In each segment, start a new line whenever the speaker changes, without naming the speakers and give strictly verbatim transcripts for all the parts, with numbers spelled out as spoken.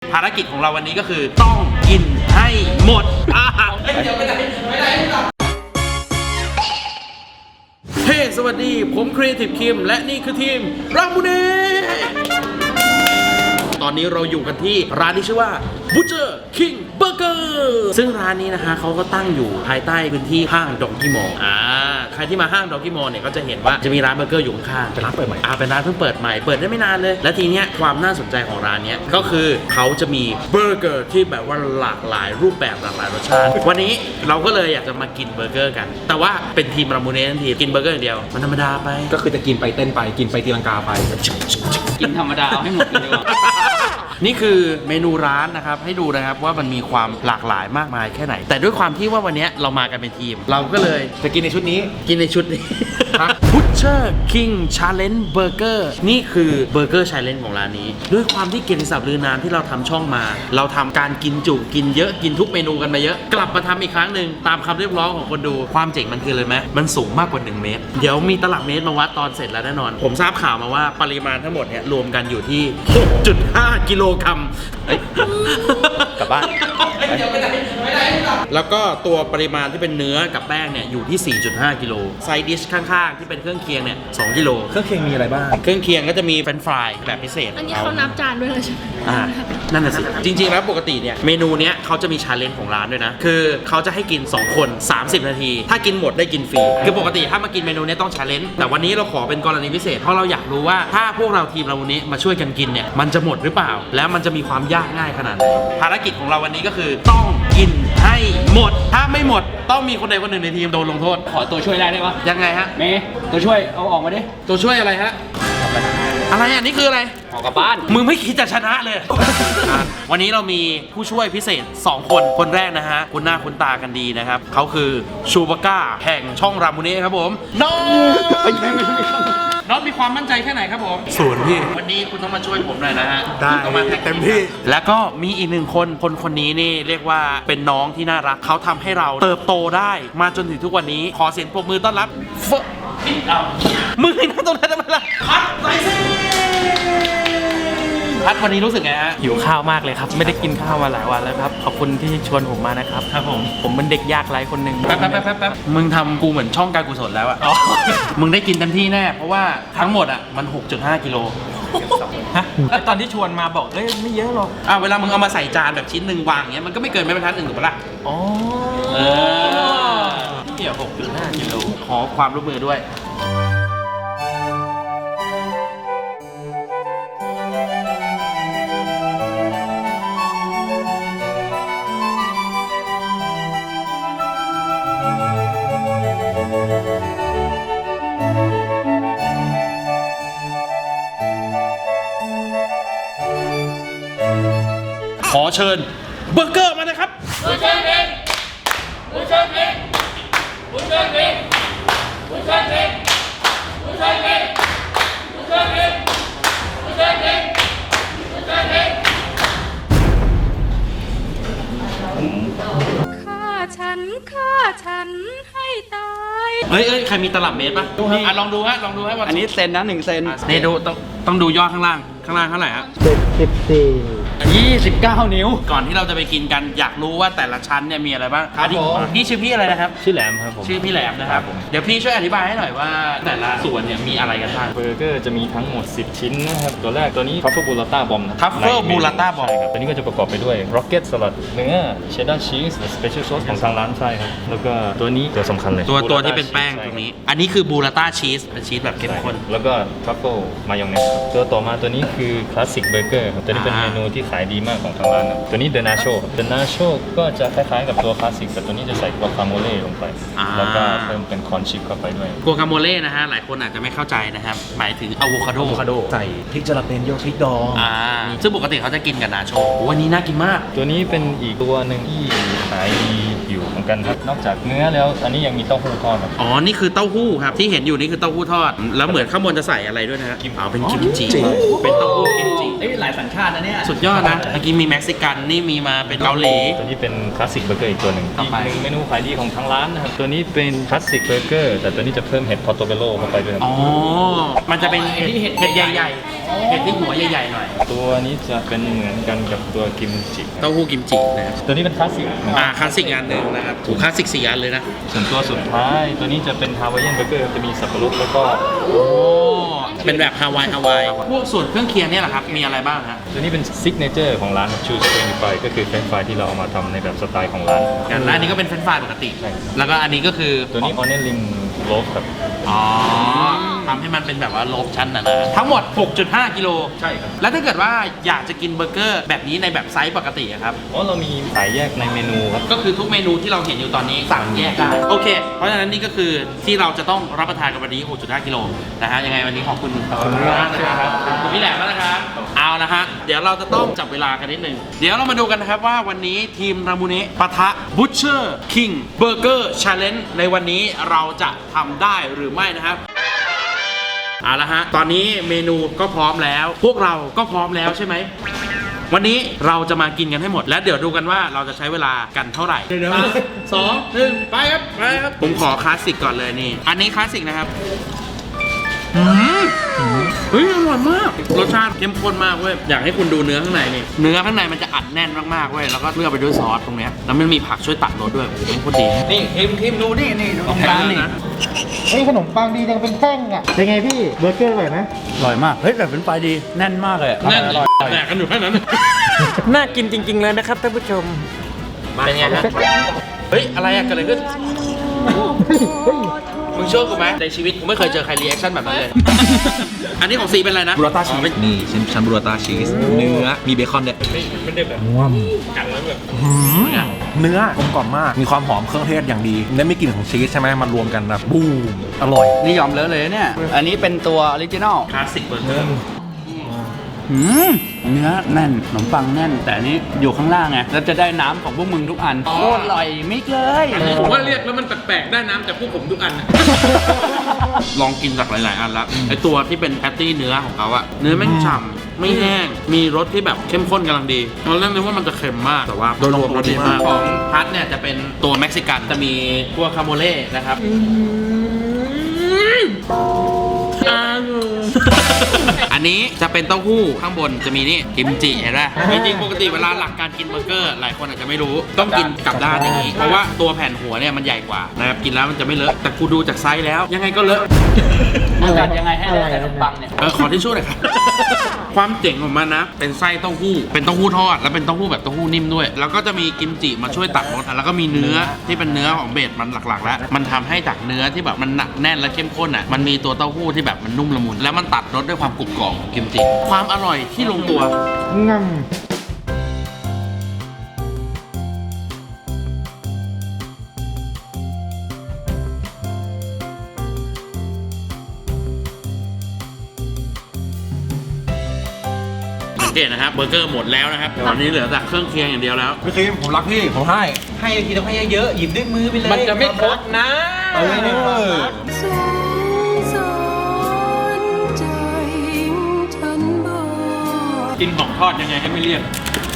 ภารกิจของเราวันนี้ก็คือต้องกินให้หมดเดี๋ยวไม่ได้ไม่ได้เฮ้ สวัสดีผมครีเอทีฟคิมและนี่คือทีมรามูเน่ตอนนี้เราอยู่กันที่ร้านที่ชื่อว่า Butcher King Burger ซึ่งร้านนี้นะคะเขาก็ตั้งอยู่ภายใต้พื้นที่ห้างดองกี้มอลล์อ่าใครที่มาห้างดองกี้มอลล์เนี่ยก็จะเห็นว่าจะมีร้านเบอร์เกอร์อยู่ข้างๆเป็นร้านเปิดใหม่อ่าเป็นร้านเพิ่งเปิดใหม่เปิดได้ไม่นานเลยและทีเนี้ยความน่าสนใจของร้านเนี้ยก็คือเขาจะมีเบอร์เกอร์ที่แบบว่าหลากหลายรูปแบบหลากหลายรสชาติวันนี้เราก็เลยอยากจะมากินเบอร์เกอร์กันแต่ว่าเป็นทีมรามูเน่ทันทีกินเบอร์เกอร์อย่างเดียวมันธรรมดาไป
ก็คือจะกินไปเต้นไปกินไปตีลังกาไป
กินธรรมดาเอาให้หมดเลยดีกว่า
นี่คือเมนูร้านนะครับให้ดูนะครับว่ามันมีความหลากหลายมากมายแค่ไหนแต่ด้วยความที่ว่าวันนี้เรามากันเป็นทีมเราก็เลย
จะกินในชุดนี้
กินในชุดนี้ Butcher King Challenge Burger นี่คือเบอร์เกอร์ Challenge ของร้านนี้ด้วยความที่เกียรติศัพท์ลือนามที่เราทำช่องมาเราทำการกินจุกินเยอะกินทุกเมนูกันมาเยอะกลับมาทำอีกครั้งหนึ่งตามคำเรียกร้องของคนดูความเจ๋งมันคือเลยไหมมันสูงมากกว่าหนึ่งเมตรเดี๋ยวมีตลับเมตรมาวัดตอนเสร็จแล้วแน่นอนผมทราบข่าวมาว่าปริมาณทั้งหมดเนี่ยรวมกันอยู่ที่ หกจุดห้า กิโลกรัม
กลับบ้าน
แล้วก็ตัวปริมาณที่เป็นเนื้อกับแป้งเนี่ยอยู่ที่ สี่จุดห้า กิโลไซดิชข้างๆที่เป็นเครื่องเคียงเนี่ยสองกิโล
เครื่องเคียงมีอะไรบ้าง
เครื่องเคียงก็จะมีเฟรนช์ฟรายแบบพิเศษ
อันนี้เขานับจานด้วยเลยใช่ไหม
อ่านั่นน่ะสิจริงๆแล้วปกติเนี่ยเมนูเนี้ยเขาจะมีชาเลนจ์ของร้านด้วยนะคือเขาจะให้กินสองคนสามสิบนาทีถ้ากินหมดได้กินฟรีคือปกติถ้ามากินเมนูนี้ต้องชาเลนจ์แต่วันนี้เราขอเป็นกรณีพิเศษเพราะเราอยากรู้ว่าถ้าพวกเราทีมเราวันนี้มาช่วยกันกินเนี่ยมันจะหมดหรือเปล่าแล้วมันจะมีความยากง่ายขนาดไหนภารกิจของเราวันนี้ก็คือต้องกินให้หมดถ้าไม่หมดต้องมีคนใดคนหนึ่งในทีมโดนลงโทษ
ขอตัวช่วยได้ไหมวะ
ยังไงฮะ
เมย์ตัวช่วยเอาออกมาดิ
ตัวช่วยอะไรฮะอะไรอ่ะนี่คืออะไร
ออกกลับบ้าน
มึงไม่คิดจะชนะเลย วันนี้เรามีผู้ช่วยพิเศษสองคนคนแรกนะฮะคุณหน้าคุณตากันดีนะครับเขาคือชูบาก้าแห่งช่องรามูเน่ครับผมน้องน้องมีความมั่นใจแค่ไหนครับผม
ศูนย์พี่
วันนี้คุณต้องมาช่วยผมหน่อยนะฮะ
ได้เต็มที่
แล้วก็มีอีกหนึ่งคนคนคนนี้นี่เรียกว่าเป็นน้องที่น่ารักเขาทำให้เราเติบโตได้มาจนถึงทุกวันนี้ขอเสียงปรบมือต้อนรับเฟมึงให้นั่งตรงนั้นทำไมล่ะพัดไรซิพัดวันนี้รู้สึกไงฮะ
หิวข้าวมากเลยครับไม่ได้กินข้าวมาหลายวันแล้วครับขอบคุณที่ชวนผมมานะครับ
ครับผม
ผมเป็นเด็กยากไร้คนหนึ่ง
แป๊บแป๊บแป๊บแป๊บมึงทำกูเหมือนช่องการกุศลแล้วอะมึงได้กินเต็มที่แน่เพราะว่าทั้งหมดอะมัน หกจุดห้า กิโล
ฮะตอนที่ชวนมาบอกเอ้ยไม่เยอะหรอก
อ่ะเวลามึงเอามาใส่จานแบบชิ้นหนึ่งวางเงี้ยมันก็ไม่เกินไม่บรรทัดหนึ่งถูกปะล่ะ
อ๋อ
เออ
เดี๋ยว หกจุดห้า กิโล
ขอความร่วมมือด้วยขอเชิญเบอร์เกอร์มาเลยครับบูเชอร์เองบูเชอร์เองบูเชอร์เองบูเชอร์เองบูเชอร์เองบูเชอร์เองบูเชอร์เองบูเชอร์เอง
ฆ่าฉันฆ่าฉันให้ตาย
เฮ้ยเอ้ยใครมีตลับเมตรป่ะอ่ะลองดูฮะลองดูฮะว่า
อันนี้เซนนะหนึ่งเซน
นี่ดูต้องต้องดูยอดข้างล่างข้างล่างเท่าไหร่ฮะ
สิบสี่
ยี่สิบเก้านิ้ว
ก่อนที่เราจะไปกินกันอยากรู้ว่าแต่ละชั้นเนี่ยมีอะไรบ้างครับผมนี่ชื่อพี่อะไรนะครับ
ชื่อแหลมครับผม
ชื่อพี่แหลมนะครับเดี๋ยวพี่ช่วยอธิบายให้หน่อยว่าแต่ละส่วนเนี่ยมีอะไรกันบ้าง
เบอร์เกอร์จะมีทั้งหมดสิบชิ้นนะครับตัวแรกตัวนี้ทัฟเฟิลบูราต้าบอม
ทัฟเฟิลบูราต้าบอม
ตัวนี้ก็จะประกอบไปด้วยร็อกเก็ตสลัดเนื้อเชดดาร์ชีสสเปเชียลซอสของทางร้านใช่ครับแล้วก็ตัวนี้ตัวสำคัญเลย
ตัวตัวที่เป็นแป้งตรงนี้อันนี้คือบูราต้าชีสเป็นชีสแบบเข้มข้น
แล้วก็ทัฟเฟิลมายองเนสตัวต่อมาตัวนี้คือคลาสสิกเบอร์เกอร์ตัวนี้เป็นเมนูที่ขายดีมากของทางร้านตัวนี้เดนาโชเดนาโชก็จะคล้ายๆกับตัวคลาสสิกแต่ตัวนี้จะใส่กัวคาโมเล่ลงไปแล้วก็เพิ่มเป็นคอนชิปเข้าไปด้วย
กัวคาโมเล่นะฮะหลายคนอาจจะไม่เข้าใจนะครับหมายถึงอะโวคาโด
อะโวคาโดใส่พริกจาระเปนโยพริกดอง
อ่าซึ่งปกติเขาจะกินกับนาโชวันนี้น่ากินมาก
ตัวนี้เป็นอีกตัวหนึ่งที่ขายดีอยู่เหมือนกันครับนอกจากเนื้อแล้วอันนี้ยังมีเต้าหู้ทอด
อ๋อนี่คือเต้าหู้ครับที่เห็นอยู่นี่คือเต้าหู้ทอดแล้วเหมือนข้างบนจะใส่อะไรด้วยนะฮะกิมอ๋อเป็นกิมจิเป็นเต้าหู้กิมจิ
เอ้ยหลายสัญชาตินะเนี่ย
สุดยอดษนะเมื่อกี้มีเม็กซิกันนี่มีมาเป็นเกาหลี
ตัวนี้เป็นคลาสสิกเบอร์เกอร์อีกตัวหนึ่ง
ต่อ
อีก
ไป
หนึ่งเมนูขายดีของทางร้านนะครับตัวนี้เป็นคลาสสิกเบอร์เกอร์แต่ตัวนี้จะเพิ่มเห็ดพอร์โตเบโลเข้าไปด้วยครับ
อ๋อ มันจะเป็นเห็ดเห็ดใหญ่ๆเห็ดที่หัวใหญ่ๆหน่อย
ตัวนี้จะเป็นเหมือนกันกับตัวกิมจิ
เต้าหู้กิมจินะครับ
ตัวนี้เป็นคลาสสิกนะ
อ่าคลาสสิกอันหนึ่งนะครับถูกคลาสสิกสี่อันเลยนะ
ส่วนตัวสุดท้ายตัวนี้จะเป็นฮาวายเอียนเบอร์เกอร์จะมีสับปะรดแล้วก็
โอ้เป็นแบบฮาวายฮาวายพวกส่วนเครื่องเคียงเนี่ยแหละครับมีอะไรบ้างฮะ
ตัวนี้เป็นซิกเนเจอร์ของร้านชูสเฟรนฟรายก็คือเฟรนฟรายที่เราเอามาทำในแบบสไตล์ของร้าน
อย่างร้านนี้ก็เป็นเฟรนช์ฟรายปกติ
ใช่
แล้วก็อันนี้ก็คือ
ตัวนี้ออนเนลลิงโลฟครับ
อ๋อทำให้มันเป็นแบบว่าโลบชั้นนะนะทั้งหมด หกจุดห้า กิโล
ใช่ครับ
แล้วถ้าเกิดว่าอยากจะกินเบอร์เกอร์แบบนี้ในแบบไซส์ปกติอะครับ
อ๋อเรามีขายแยกในเมนูครับ
ก็คือทุกเมนูที่เราเห็นอยู่ตอนนี้สั่งแยกได้ โอเค เพราะฉะนั้นนี่ก็คือที่เราจะต้องรับประทานกันวันนี้ หกจุดห้า กิโลนะฮะ ยังไงวันนี้ขอบคุณขอบคุณมากนะครับขอบคุณพี่แหลมมากนะครับ เอาละฮะ เดี๋ยวเราจะต้องจับเวลากันนิดนึง เดี๋ยวเรามาดูกันนะครับว่าวันนี้ทีมรามูเนะปะทะ Butcher King Burger Challenge ในวันนี้เราจะทำได้หรือไม่นะครับ เอาละฮะ ตอนนี้เมนูก็พร้อมแล้ว พวกเราก็พร้อมแล้วใช่ไหม วันนี้เราจะมากินกันให้หมด แล้วเดี๋ยวดูกันว่าเราจะใช้เวลากันเท่าไหร่เดี๋ยวสองหนึ่งไปครับไปครับ ผมขอคลาสสิกก่อนเลยนี่ อันนี้คลาสสิกนะครับอืมเฮ้ยอร่อยมาก รสชาติเข้มข้นมากเว้ย อยากให้คุณดูเนื้อข้างในนี่ เนื้อข้างในมันจะอัดแน่นมากๆเว้ย แล้วก็เคลือบไปด้วยซอสตรงเนี้ยแล้วมันมีผักช่วยตัดรสด้วยโอ้โหโคตรดี
นี่ทีมทีมดูนี่นี่ดูตรงกลางนี่
นะ
เฮ้ยขนมปังดีจังเป็นแท่งอ่ะเป็นไงพี่เบอร์เกอร์อร่อยไหม
อร่อยมาก เฮ้ยแต่เป็นไฟดีแน่นมากเลยอะ
แน่น
อร่อยอร่อย
แดกกันอยู่แค่นั้น
น่ากินจริงๆเลยนะครับท่านผู้ชม
เป็นไงฮะ เฮ้ย อะไรอะเกิดอะไรขึ้น มึงเชื่อกูไหมในชีวิตกูไม่เคยเจอใครรีแอคชั่นแบบนั้นเลย อันนี้ของซีเป็นอะไรนะ
บูราต้าชี
อ๋อ
ส
เป็น
นี่ชั้นชั้นบูราต้าชีสเนื้อมีเบคอนด้วย
ไม่ไม่ได้แบบ
ว้าว
กันแล้วแบบ
เนื้อกลมกล่อมมากมีความหอมเครื่องเทศอย่างดีและไม่กลิ่นของชีสใช่ไหมมันรวมกันนะบูมอร่อย
นี่ยอมเลอะเลยนะเนี่ย อันนี้เป็นตัวออริจินอล
คลาสสิกเบอร์เกอร์
หืมเนื้อแน่นขนมปังแน่น แต่อันนี้อยู่ข้างล่างไงแล้วจะได้น้ำของพวกมึงทุกอันโคตรอร่อยมิกเลย
ผมว่าเรียกแล้วมันแปลกๆ ได้น้ำจากพวกผมทุกอัน ลองกินจากหลายๆ อันแล้วไอตัวที่เป็นแพตตี้เนื้อของเขาอะเนื้อแม่งฉ่ำไม่แห้ง มีรสที่แบบเข้มข้นกำลังดีตอนแรกนึกว่ามันจะเค็มมาก แต่ว่าโดยรวมรสดีมาก ของพัทเนี่ยจะเป็นตัวเม็กซิกัน จะมีตัวคาโมเล่นะครับ อันนี้จะเป็นเต้าหู้ข้างบนจะมีนี่กิมจิเห็นไหมจริงๆปกติเวลาหลักการกินเบอร์เกอร์ หลายคนอาจจะไม่รู้ต้องกินกลับด้านอย่างนี้ เพราะว่าตัวแผ่นหัวเนี่ยมันใหญ่กว่านะครับกินแล้วมันจะไม่เลอะแต่กูดูจากไซส์แล้ว ยังไงก็เลอะ
มันจัดยังไงให้ได้แต่ขนมปังเนี่ย
เออขอที่ช่วยหน่อยครับ ความเจ๋งของมันนะ เป็นไส้เต้าหู้ เป็นเต้าหู้ทอด แล้วเป็นเต้าหู้แบบเต้าหู้นิ่มด้วย แล้วก็จะมีกิมจิมาช่วยตัดรสแล้วก็มีเนื้อที่เป็นเนื้อของเบสมันหลักๆ แล้ว มันทำให้จากเนื้อที่แบบมันหนักแน่นและเข้มข้นอ่ะ มันมีตัวเต้าหู้ที่แบบมันนุ่มละมุน แล้วมันตัดรสด้วยความกรุบกรอบของกิมจิ ความอร่อยที่ลงตัว
งั่ง
สังเกตนะครับเบอร์เกอร์หมดแล้วนะครับตอนนี้เหลือแต่เครื่องเคียงอย่างเดียวแล้ว
พี่คิมผมรักพี่ผมให้ให้ทีต้องให้เยอะๆหยิบด้วยมือไปเลย
มันจะไม่ครบนะ
เออ
สงสารใจฉันบ้าง
กินของทอดยังไงให้ไม่เลี่ยน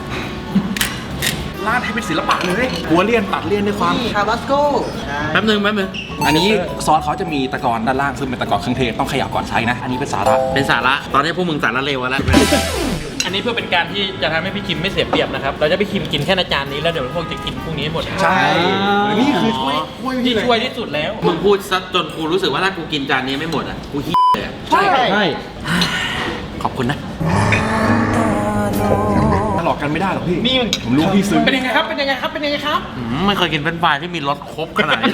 ราดให้เป็นศิลปะเลยหัวเลี่ยนตัดเลี่ยนด้วยความ
คาบาสโก้
แป๊บนึงแป๊บนึง
อันนี้ซอสเขาจะมีตะกอนด้านล่างซึ่งเป็นตะกอนเครื่องเทศต้องเขย่าก่อนใช้นะ อันนี้เป็นสาระ
เป็นสาระ ตอนนี้พวกมึงสาระเลวแล้ว
อันนี้เพื่อเป็นการที่จะทำให้พี่คิมไม่เสียเปรียบนะครับ เราจะพี่คิมกินแค่ในจานนี้แล้วเดี๋ยวพวกจะกินพวกนี้ให้หมด
ใช่นี่คือช่วยช่วย
ที่
พี่เลย
ช่วยที่สุดแล้ว
มึงพูดซะจนกูรู้สึกว่าถ้ากูกินจานนี้ไม่หมดอ่ะ กูฮี้เลยอะ
ใช่ใช่
ขอบคุณนะ
หลอกกันไม่ได้หรอกพี่
นี่มัน
ผมรู้พี่ซึ้ง
เป็นยังไงครับ เป็นยังไงครับ เป็นยังไงครับ
อืมไม่เคยกินเฟรนช์ฟรายที่มีรสครบขนาดนี้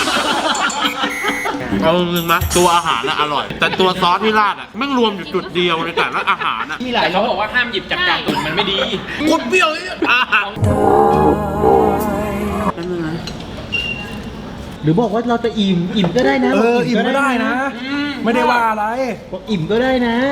เอาจริงๆนะตัวอาหารน่ะอร่อย แต่ตัวซอสที่ราดอ่ะแม่งรวมอยู่จุดเดียวในแต่ละอาหารอ่ะ
มีหลาย
แต่เขาบอกว่าห้ามหยิบจากจานอื่นมันไม่ดี
กดเปรี้ยวเลยอาหาร
หรือบอกว่าเราจะอิ่ม อิ่มก็ได้นะ
เออ
บก
อิ่มก็ได้นะ ไม่ได้ว่าอะไร
บอกอิ่มก็ได้นะ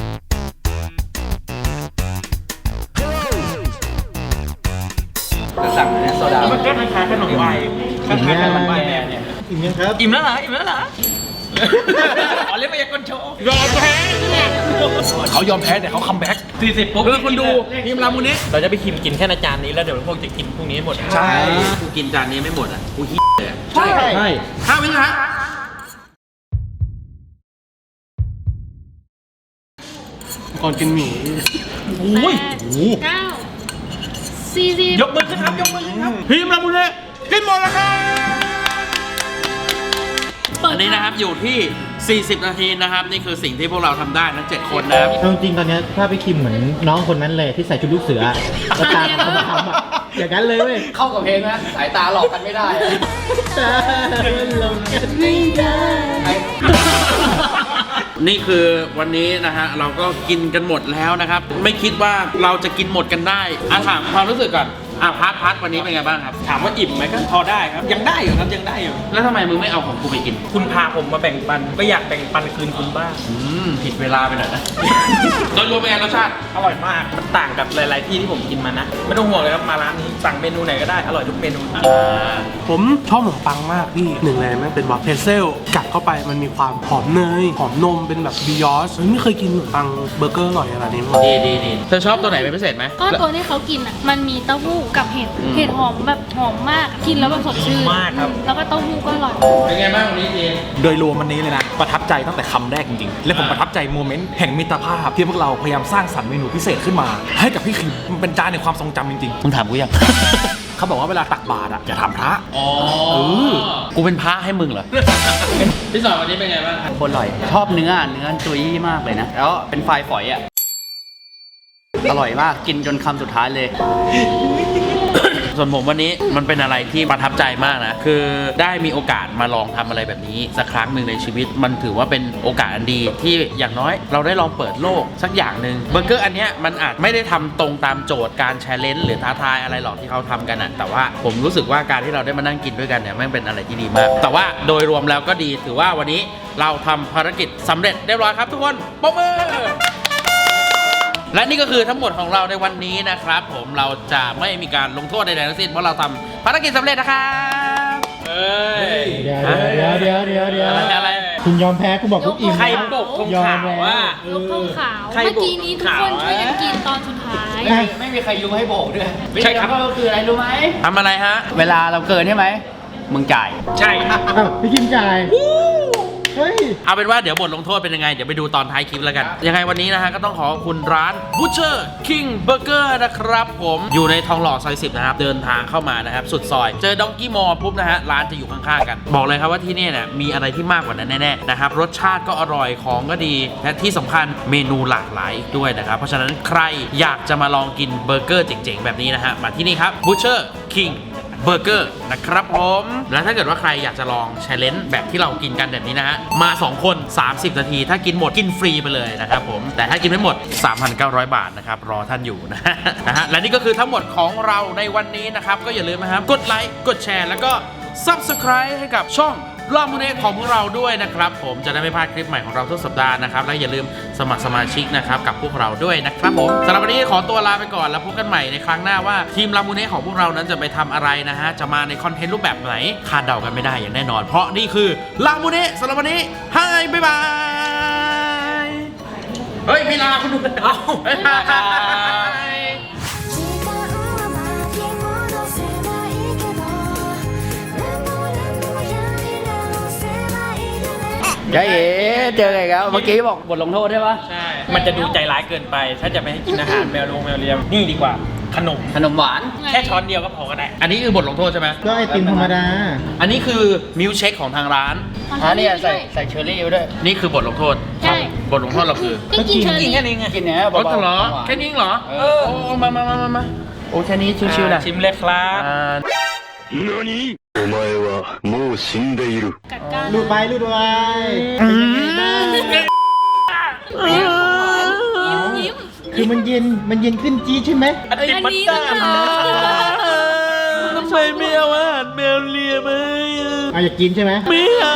จะสั่งเนี่ยโซดา
มันก็คล้ายๆขนมไวน์คล้ายๆขนมไวน์แม่เนี่ย
อิ่มยังครับ
อิ่มแล้วเหรอ อิ่มแล้วเหรออ๋อเล่นมายากลโชว์
ยอมแพ้
เขายอมแพ้แต่เขาคัมแบ็ก
สี่สิบปุ๊บ
เออคนดูทีมรามูเนะ
เราจะไปคิมกินแค่ในจานนี้แล้วเดี๋ยวพวกจะกินพวกนี้ให้หมด
ใช่
กูกินจานนี้ไม่หมดอ่ะกูฮิเลยอะ
ใช่ใช่
ห้าวินะฮะ
ก่อนกินหมี่
อุ้ย
เก้าสี่สิบ
ยกมือขึ้นครับยกมือขึ้นครับ
ทีมรามูเนะกินหมดแล้วครับอันนี้นะครับอยู่ที่ สี่สิบ นาทีนะครับนี่คือสิ่งที่พวกเราทำได้ทั้งเจ็ดคนนะครับ
เอาจริงๆตอนเนี้ยถ้าไปคิมเหมือนน้องคนนั้นเลยที่ใส่ชุดลูกเสือแล้วตาเขามาทำอะอย่างนั้นเลยเว้ย
เข้ากับเพลงนะสายตาหลอกกันไม่ได้
ตาลงกันไม่ได้
นี่คือวันนี้นะฮะเราก็กินกันหมดแล้วนะครับ ไม่คิดว่าเราจะกินหมดกันได้อ่ะถามความรู้สึกก่อนอ่ะพัดพัดวันนี้เป็นไงบ้างครับ
ถามว่าอิ่มไหมก็พอได้ครับ ยังได้อยู่ครับยังได้อยู่
แล้วทำไมมึงไม่เอาของกูไปกิน
คุณพาผมมาแบ่งปันก็อยากแบ่งปันคืนคุณบ้าง
อืมผิดเวลาไปหน่อยนะ โดยรวมเป็นไงรสชาติ
อร่อยมาก มันต่างกับหลาย ๆ ที่ที่ผมกินมานะ ไม่ต้องห่วงเลยครับมาร้านนี้สั่งเมนูไหนก็ได้อร่อยทุกเมนู
ผมชอบขนมปังมากพี่หนึ่งเลยมันเป็นแบบเพรสเซลกัดเข้าไปมันมีความหอมเนยหอมนมเป็นแบบบิยอสไม่เคยกินขนมปังเบอร์เกอร์อร่อยขนาดนี้มาก่อน
ดีดีดีเธอชอบตัวไหนเป็นพิเศษไหม
ก็ตัวที่เขากินอ่ะ มันมีเต้าหู้กับเห็ด
อืม
เห็ดหอมแบบหอมมาก กินแล้วแบบสดชื่น
มากครับ
แล้วก็เต้าหู้ก็อร่อย
เป็นไงบ้างวันนี้เจ
โดยรวมวันนี้เลยนะ ประทับใจตั้งแต่คำแรกจริงๆ และผมประทับใจโมเมนต์แห่งมิตรภาพที่พวกเราพยายามสร้างสรรค์เมนูพิเศษขึ้นมา ให้กับพี่คิมมันเป็นจานในความทรงจำจริง
มึงถามกูยัง
ๆ เขาบอกว่าเวลาตักบาตรอ่ะอย่าทำพระ
อ๋อกูเป็นพระให้มึงเหรอ พี่สอนวันนี้เป็นไงบ้าง
คนอร่อย ชอบเนื้อเนื้อจุยมากเลยนะ แล้วเป็นไฟฝอยอ่ะ อร่อยมากกินจนคำสุดท้ายเลย
ส่วนผมวันนี้มันเป็นอะไรที่ประทับใจมากนะ คือได้มีโอกาสมาลองทำอะไรแบบนี้สักครั้งหนึ่งในชีวิต มันถือว่าเป็นโอกาสอันดีที่อย่างน้อยเราได้ลองเปิดโลกสักอย่างหนึ่งเบอร์เกอร์อันเนี้ยมันอาจไม่ได้ทำตรงตามโจทย์การแชร์เลนจ์หรือท้าทายอะไรหรอกที่เขาทำกันอะแต่ว่าผมรู้สึกว่าการที่เราได้มานั่งกินด้วยกันเนี่ยมันเป็นอะไรที่ดีมาก แต่ว่าโดยรวมแล้วก็ดีถือว่าวันนี้เราทำภารกิจสำเร็จเรียบร้อยครับทุกคนปรบมือ และนี่ก็คือทั้งหมดของเราในวันนี้นะครับผมเราจะไม่มีการลงโทษใดๆทั้งสิ้นเพราะเราทำภารกิจสำเร็จนะครับเอ้ย
เดี๋ยวเดี๋ยวเดี๋ยวเดี๋ยวเดี๋ยว
อะไรอะไร
คุณยอมแพ้กูบอกกูอิ่ม
ใคร
นะ
ปกธง
ยอม
ขาว
แล้ว
ว่า
ยกธงขาว
ใคร
เมื่อกี้นี้ทุกคน
บอก
ช่วยกันกินตอนสุดท้าย
อ่ะ
ไม่มีใครรู้ให้โบกด้วย
ใช่ครับ
ก็คืออะไรรู้ไหม
ทำอะไรฮะ
เวลาเราเกินใช่ไหม มึงจ่าย
ใช่ครับ
อ้าวพี่คิมจ่ายเฮ้ย
เอาเป็นว่าเดี๋ยวบทลงโทษเป็นยังไง เดี๋ยวไปดูตอนท้ายคลิปแล้วกัน ยังไงวันนี้นะฮะก็ต้องขอขอบคุณร้าน Butcher King Burger นะครับผมอยู่ในทองหล่อซอยสิบนะครับเดินทางเข้ามานะครับสุดซอย เจอดองกี้มอลปุ๊บนะฮะร้านจะอยู่ข้างๆกัน บอกเลยครับว่าที่นี่เนี่ยมีอะไรที่มากกว่านั้นแน่ๆนะครับรสชาติก็อร่อยของก็ดีและที่สำคัญเมนูหลากหลายอีกด้วยนะครับเพราะฉะนั้นใครอยากจะมาลองกินเบอร์เกอร์เจ๋งๆแบบนี้นะฮะมาที่นี่ครับ Butcher Kingเบอร์เกอร์นะครับผมและถ้าเกิดว่าใครอยากจะลองแชร์เลนจ์แบบที่เรากินกันแบบนี้นะฮะมาสองคนสามสิบนาทีถ้ากินหมดกินฟรีไปเลยนะครับผมแต่ถ้ากินไม่หมด สามพันเก้าร้อย บาทนะครับรอท่านอยู่นะ นะฮะและนี่ก็คือทั้งหมดของเราในวันนี้นะครับก็อย่าลืมนะครับกดไลค์กดแชร์แล้วก็ Subscribe ให้กับช่องลามูเน่ของพวกเราด้วยนะครับผมจะได้ไม่พลาดคลิปใหม่ของเราทุกสัปดาห์นะครับและอย่าลืมสมัครสมาชิกนะครับกับพวกเราด้วยนะครับผมสำหรับวันนี้ขอตัวลาไปก่อนแล้วพบกันใหม่ในครั้งหน้าว่าทีมลามูเน่ของพวกเรานั้นจะไปทำอะไรนะฮะจะมาในคอนเทนต์รูปแบบไหนคาดเดากันไม่ได้อย่างแน่นอน เพราะนี่คือลามูเน่สำหรับวันนี้ไฮบ๊ายบายเฮ้ยไม่ลาคุณดูเอ้าบ๊ายบาย
時間は巻き戻せないけど何度も何度もやり直せないよね
ใช่เอ๋เจอไงครับเมื่อกี้บอกบทลงโทษใช่ปะ
ใช่ มันจะดูใจร้ายเกินไป ถ้าจะไปให้กินอาหารแมวลงแมวเลียมนี่ดีกว่าขนม
ขนมหวาน
แค่ช้อนเดียวก็พอก็ได้
อันนี้คือบทลงโทษใช่ไหม
ก็ไอติมธรรมดา
อันนี้คือมิลค์เชคของทางร้าน
อ่าเนี่ยใส่ใส่เชอร์รี่ไว้ด้วย
นี่คือบทลงโทษ
ใช่
บทลงโทษเราคือ
ก็กินเชอร์รี่
แค่นี้ไง
กินเนี้ย
โอ้
เบาๆ
เหรอ
หวาน
แค่นี้เหรอ
เอ
โอ้
อ
โอ้มามามามามาโอ้แค่นี้ชิวๆนะ
ชิมเลยครับ
อ่า
お前はもう死んでいる。
กัดก้าน
ลูดไปลูดไปเป็นยังไงบ้าง
ยิ้มยิ้ม
คือมันเย็นมันเย็นขึ้นจี๊ดใช่ไหม
อันนี้
อัน
มัน
นี้
เตอ
ก็
ร์
ทำ
ทำไมไม่เอาอาหารแมวเลียมา
เอาอยากกินใช่ไหม
ไม่เอา